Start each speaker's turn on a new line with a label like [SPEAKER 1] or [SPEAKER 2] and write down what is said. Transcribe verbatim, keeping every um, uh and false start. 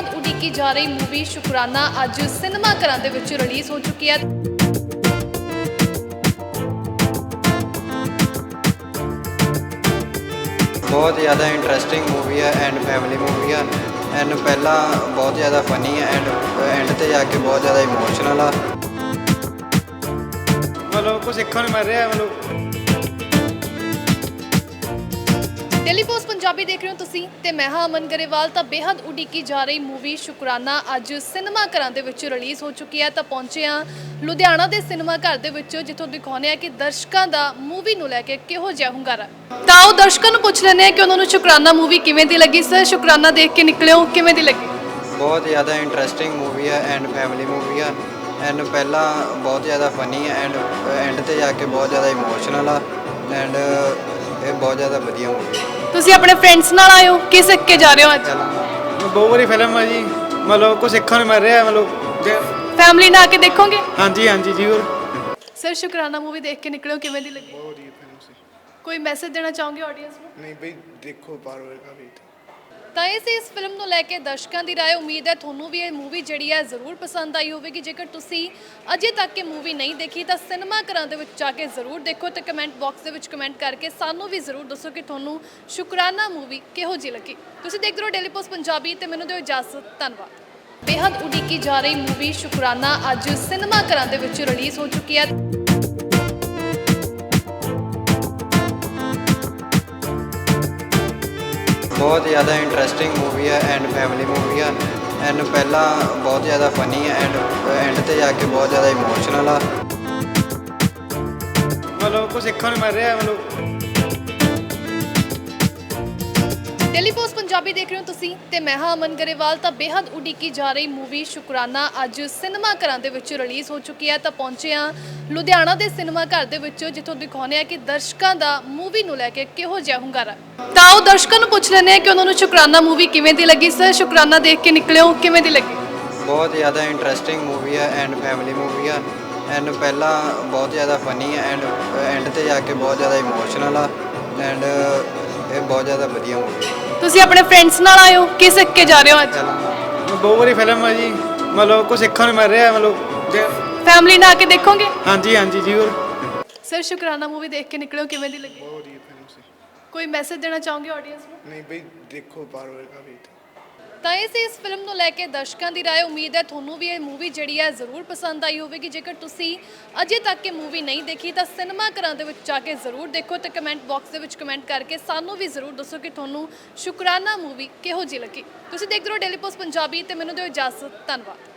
[SPEAKER 1] बेहद उड़ीकी जा रही मूवी शुकराना अज सिनेमा घरां दे विच रिलीज़ हो चुकी है।
[SPEAKER 2] बहुत ज़्यादा इंटरेस्टिंग मूवी है एंड फैमिली मूवी है एंड पहला बहुत ज़्यादा फनी है एंड एंड ते जाके बहुत ज़्यादा इमोशनल है।
[SPEAKER 3] मतलब कुछ सीखने मिल रहा है। मतलब
[SPEAKER 1] डेली पोस्ट पंजाबी देख रहे हो तुसी ते मैं हाँ अमन गरेवाल। तो बेहद उड़ीकी जा रही मूवी शुकराना अज सिनेमा घरां दे विच रिलीज़ हो चुकी है। तो पहुंचे हाँ लुधियाना के सिनेमा घर दे विच जिथों दिखाने हैं कि दर्शकों का मूवी नूं लैके किहो जिहा हुंगारा। तो आओ दर्शकों नूं पुछ लैंदे हैं कि उन्होंने शुकराना मूवी किवें दी लगी। सर शुकराना देख के निकले हो किवें दी लगी?
[SPEAKER 2] बहुत ज़्यादा इंटरेस्टिंग मूवी है एंड फैमिली मूवी है एंड पहला बहुत ज़्यादा फनी है एंड एंड ते जाके बहुत ज़्यादा इमोशनल है एंड ये बहुत ज़्यादा वधिया मूवी है।
[SPEAKER 1] तुसी अपने फ्रेंड्स नाल आए हो कि सिख के जा रहे हो? अज
[SPEAKER 3] बहुत बड़ी फिल्म है जी। मतलब कुछ सीखने मिल रहा है। मतलब जे-
[SPEAKER 1] फैमिली ना आके देखोगे?
[SPEAKER 3] हाँ जी हाँ जी जरूर।
[SPEAKER 1] सर शुकराना मूवी देख के निकले हो किवें दी लगी?
[SPEAKER 4] बहुत ही फिल्म से
[SPEAKER 1] कोई मैसेज देना चाहोगे ऑडियंस को?
[SPEAKER 4] नहीं भाई देखो बार बार का भी
[SPEAKER 1] ਤਾਂ ਇਹ ਸੀ ਇਸ ਫਿਲਮ ਨੂੰ ਲੈ ਕੇ ਦਰਸ਼ਕਾਂ ਦੀ ਰਾਏ। ਉਮੀਦ ਹੈ ਤੁਹਾਨੂੰ ਵੀ ਇਹ ਮੂਵੀ ਜਿਹੜੀ ਹੈ ਜ਼ਰੂਰ ਪਸੰਦ ਆਈ ਹੋਵੇਗੀ। ਜੇਕਰ ਤੁਸੀਂ ਅਜੇ ਤੱਕ ਇਹ ਮੂਵੀ ਨਹੀਂ ਦੇਖੀ ਤਾਂ ਸਿਨੇਮਾ ਘਰਾਂ ਦੇ ਵਿੱਚ ਜਾ ਕੇ ਜ਼ਰੂਰ ਦੇਖੋ ਤੇ ਕਮੈਂਟ ਬਾਕਸ ਦੇ ਵਿੱਚ ਕਮੈਂਟ ਕਰਕੇ ਸਾਨੂੰ ਵੀ ਜ਼ਰੂਰ ਦੱਸੋ ਕਿ ਤੁਹਾਨੂੰ ਸ਼ੁਕਰਾਨਾ ਮੂਵੀ ਕਿਹੋ ਜਿਹੀ ਲੱਗੀ। ਤੁਸੀਂ ਦੇਖਦੇ ਰਹੋ ਡੇਲੀ ਪੋਸਟ ਪੰਜਾਬੀ ਤੇ ਮੈਨੂੰ ਦਿਓ ਇਜਾਜ਼ਤ। ਧੰਨਵਾਦ। ਬੇहद ਉਡੀਕੀ ਜਾ ਰਹੀ ਮੂਵੀ ਸ਼ੁਕਰਾਨਾ ਅੱਜ ਸਿਨੇਮਾ ਘਰਾਂ ਦੇ ਵਿੱਚ ਰਿਲੀਜ਼ ਹੋ ਚੁੱਕੀ ਹੈ।
[SPEAKER 2] बहुत ज़्यादा इंटरेस्टिंग मूवी है एंड फैमिली मूवी है एंड पहला बहुत ज़्यादा फनी है एंड एंड ते जाके बहुत ज़्यादा इमोशनल है।
[SPEAKER 3] मतलब कुछ सीखने मिल रहा है। मतलब
[SPEAKER 1] डेली पोस्ट पंजाबी देख रहे हो तुसी ते मैं हाँ अमन गरेवाल। तो बेहद उड़ीकी जा रही मूवी शुकराना अज सिनेमा घरां दे विच रिलीज़ हो चुकी है। तो पहुंचे हाँ लुधियाना के सिनेमा घर दे विच जिथों दिखाने हैं कि दर्शकों का मूवी नूं लैके किहो जिहा हुंगारा। तो आओ दर्शकों नूं पुछ लैंदे हैं कि उन्होंने शुकराना मूवी किवें दी लगी। सर शुकराना देख के निकले हो किवें दी लगी?
[SPEAKER 2] बहुत ज़्यादा इंटरेस्टिंग मूवी है एंड फैमिली मूवी है एंड पहला बहुत ज़्यादा फनी है एंड एंड ते जाके बहुत ज़्यादा इमोशनल है एंड ये बहुत ज़्यादा वधिया मूवी है।
[SPEAKER 1] ਤੁਸੀਂ ਆਪਣੇ ਫਰੈਂड्स ਨਾਲ ਆਏ ਹੋ ਕਿ ਸਿੱਖ ਕੇ ਜਾ ਰਹੇ ਹੋ? ਅੱਜ
[SPEAKER 3] बहुत बड़ी फिल्म है जी। मतलब कुछ सीखने मिल रहा है। मतलब जे-
[SPEAKER 1] ਫੈਮਿਲੀ ਨਾਲ ਆ ਕੇ ਦੇਖੋਗੇ?
[SPEAKER 3] हाँ जी हाँ जी जरूर।
[SPEAKER 1] ਸਰ ਸ਼ੁਕਰਾਨਾ मूवी देख के निकले हो किवें दी लगी?
[SPEAKER 4] बहुत ही फिल्म से
[SPEAKER 1] कोई मैसेज देना चाहोगे ऑडियंस को?
[SPEAKER 4] नहीं भाई देखो बार बार का भी
[SPEAKER 1] ਤਾਂ ਇਹ ਸੀ ਇਸ ਫਿਲਮ ਨੂੰ ਲੈ ਕੇ ਦਰਸ਼ਕਾਂ ਦੀ ਰਾਏ। ਉਮੀਦ ਹੈ ਤੁਹਾਨੂੰ ਵੀ ਇਹ ਮੂਵੀ ਜਿਹੜੀ ਹੈ ਜ਼ਰੂਰ ਪਸੰਦ ਆਈ ਹੋਵੇਗੀ। ਜੇਕਰ ਤੁਸੀਂ ਅਜੇ ਤੱਕ ਇਹ ਮੂਵੀ ਨਹੀਂ ਦੇਖੀ ਤਾਂ ਸਿਨੇਮਾ ਘਰਾਂ ਦੇ ਵਿੱਚ ਜਾ ਕੇ ਜ਼ਰੂਰ ਦੇਖੋ ਤੇ ਕਮੈਂਟ ਬਾਕਸ ਦੇ ਵਿੱਚ ਕਮੈਂਟ ਕਰਕੇ ਸਾਨੂੰ ਵੀ ਜ਼ਰੂਰ ਦੱਸੋ ਕਿ ਤੁਹਾਨੂੰ ਸ਼ੁਕਰਾਨਾ ਮੂਵੀ ਕਿਹੋ ਜਿਹੀ ਲੱਗੀ। ਤੁਸੀਂ ਦੇਖਦੇ ਰਹੋ ਡੇਲੀ ਪੋਸਟ ਪੰਜਾਬੀ ਤੇ ਮੈਨੂੰ ਦਿਓ ਇਜਾਜ਼ਤ। ਧੰਨਵਾਦ।